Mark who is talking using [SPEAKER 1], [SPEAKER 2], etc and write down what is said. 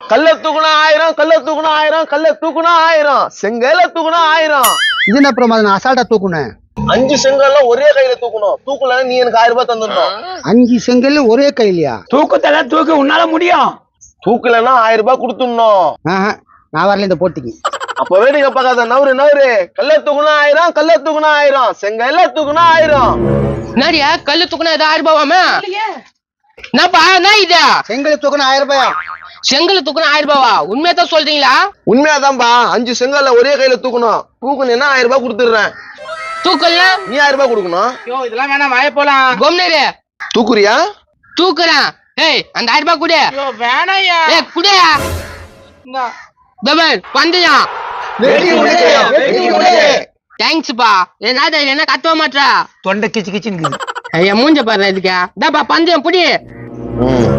[SPEAKER 1] கல்ல தூக்குனா 1000, கல்ல தூக்குனா 1000, கல்ல தூக்குனா 1000, செங்கல்ல தூக்குனா 1000.
[SPEAKER 2] இது என்ன அப்புறம் நான் அசால்ட்டா தூக்குனேன்.
[SPEAKER 1] 5 செங்கல்ல ஒரே கையில தூக்கணும். தூக்கல நீ எனக்கு 1000 ரூபாய் தந்துடணும்.
[SPEAKER 2] 5 செங்கல் ஒரே கையிலயா?
[SPEAKER 3] தூக்கத்தல தூக்கு, உன்னால முடியும்.
[SPEAKER 1] தூக்கலன்னா 1000 ரூபாய் கொடுத்துடணும்.
[SPEAKER 2] நான் வரல இந்த போட்டிக்கு.
[SPEAKER 1] அப்ப வேடிக்கை பார்க்காத, நவரு. கல்ல தூக்குனா 1000, கல்ல தூக்குனா 1000, செங்கல்ல தூக்குனா 1000.
[SPEAKER 4] என்னடியா கல்லு தூக்குனா 1000 ரூபாவாமே? என்னப்பா என்ன இது?
[SPEAKER 2] செங்கல் தூக்குனா 1000 ரூபாயா?
[SPEAKER 4] செங்கல் தூக்குனா 1000 ரூபாவா? உண்மையதான் சொல்றீங்களா?
[SPEAKER 1] உண்மையாதான்பா. 5 செங்கல்ல ஒரே கையில தூக்கணும். தூக்குனா 1000 ரூபாய் கொடுத்துடுறேன்.
[SPEAKER 4] தூக்கல
[SPEAKER 1] நீ 1000 ரூபாய் கொடுக்கணும்.
[SPEAKER 3] இதெல்லாம் வேணாம், வாய போலாம்.
[SPEAKER 4] கொம்னரு
[SPEAKER 1] தூக்குறியா?
[SPEAKER 4] தூக்குறேன். ஏய் அந்த 1000 ரூபாய் குடு.
[SPEAKER 3] வேணாயா.
[SPEAKER 4] ஏய் குடு. தபர் பந்தியா. தேங்க்ஸ்ப்பா. என்ன கத்தவ மாட்டா?
[SPEAKER 3] தொண்டை கிச்சு கிச்சுன்னு
[SPEAKER 4] ஐயா மூஞ்ச பாரு இதுக்கு. பந்தயம் புடி.